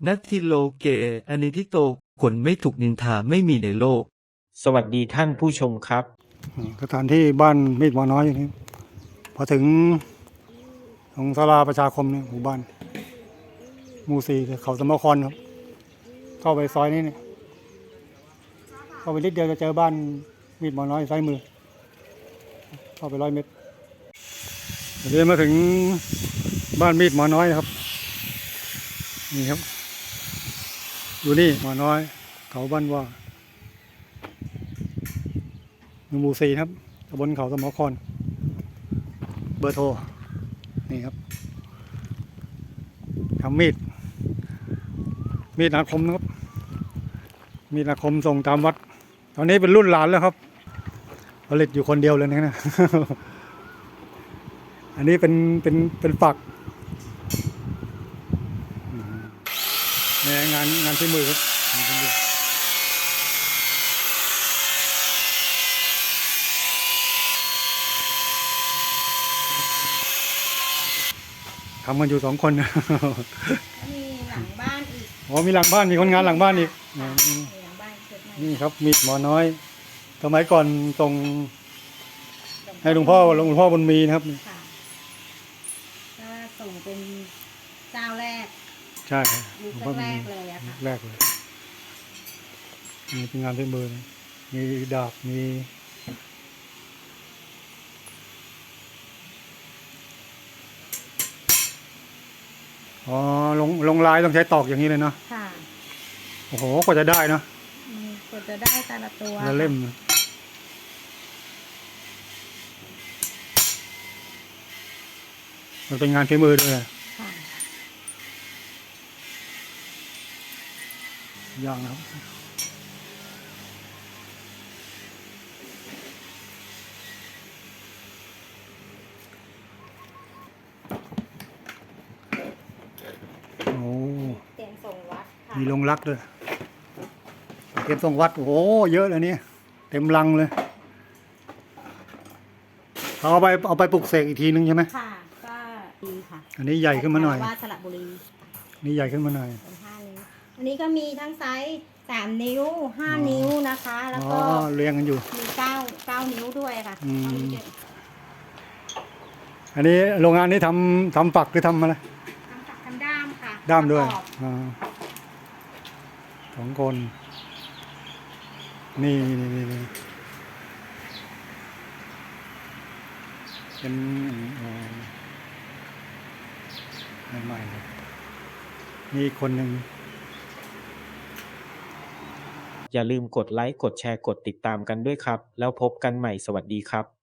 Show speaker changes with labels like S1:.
S1: นัตทิโลเกอนิทิโตคนไม่ถูกนินทาไม่มีในโลก
S2: สวัสดีท่านผู้ชมครับ
S3: สถานที่บ้านมีดหมอน้อยอย่างนี้พอถึงตรงศาลาประชาคมเนี่ยหมู่บ้านหมู่สี่เขาสมครครับเข้าไปซอยนี้เนี่ยเข้าไปนิดเดียวจะเจอบ้านมีดหมอน้อยซ้ายมือเข้าไป100 เมตรเดินมาถึงบ้านมีดหมอน้อยนะครับนี่ครับอยู่นี่หมอน้อยเขาบ้านว่าหมู่สี่ครับตำบลเขาสมครเบอร์โทรนี่ครับทำมีดอาคมนะครับมีดอาคมส่งตามวัดตอนนี้เป็นรุ่นหลานแล้วครับผลิตอยู่คนเดียวเลยนะ อันนี้เป็นฝักงานที่มือครับทำกันอยู่2 คน
S4: มีหลังบ้านอีก
S3: อ๋อมีหลังบ้านมีคนงานหลังบ้านอีก
S4: มีหลังบ้านเกิดใหม่
S3: นี่ครับมีดหมอน้อยสมัยก่อนส่งให้หลวงพ่อบุญมีนะครับ
S4: ค่ะก็ส่งเป็นเจ้าแรก
S3: ใช่
S4: ยุคแรกเลยอะค่ะ
S3: แรกเลยนี่เป็นงานฝีมือมีดาบมีอ๋อลงลายต้องใช้ตอกอย่างนี้เลยเนาะ
S4: ค่ะ
S3: โอ้โหกว่าจะได้เนาะ
S4: กว่าจะได้แต่ละตัว
S3: ละเล่มมันเป็นงานฝีมือด้วย
S4: ค่ะ
S3: อย่างครับโอ้
S4: เตรียมส่งวัดค่ะ
S3: มีลงรักด้วยเก็บส่งวัดโอ้โหเยอะเลยเนี่ยเต็มลังเลยเอาไปปลุกเสกอีกทีนึงใช่ไหม
S4: ค่ะก็ดีค่ะ
S3: อันนี้ใหญ่ขึ้นมาหน่อย
S4: ว่าสระบุรี
S3: นี่ใหญ่ขึ้นมาหน่อย
S4: เป็น5 นิ้วอันนี้ก็มีทั้งไซส์3 นิ้ว5 นิ้วนะคะแล้วก็
S3: เรียงกันอยู่
S4: มี9 นิ้วด้วยค่ะ
S3: อันนี้โรงงานนี้ทำฝักหรือทำอะไร
S4: ทำด้ามค่ะ
S3: ด้ามด้วย2 คนนี่เป็นใหม่ๆเลยมีคนหนึ่ง
S2: อย่าลืมกดไลค์กดแชร์กดติดตามกันด้วยครับแล้วพบกันใหม่สวัสดีครับ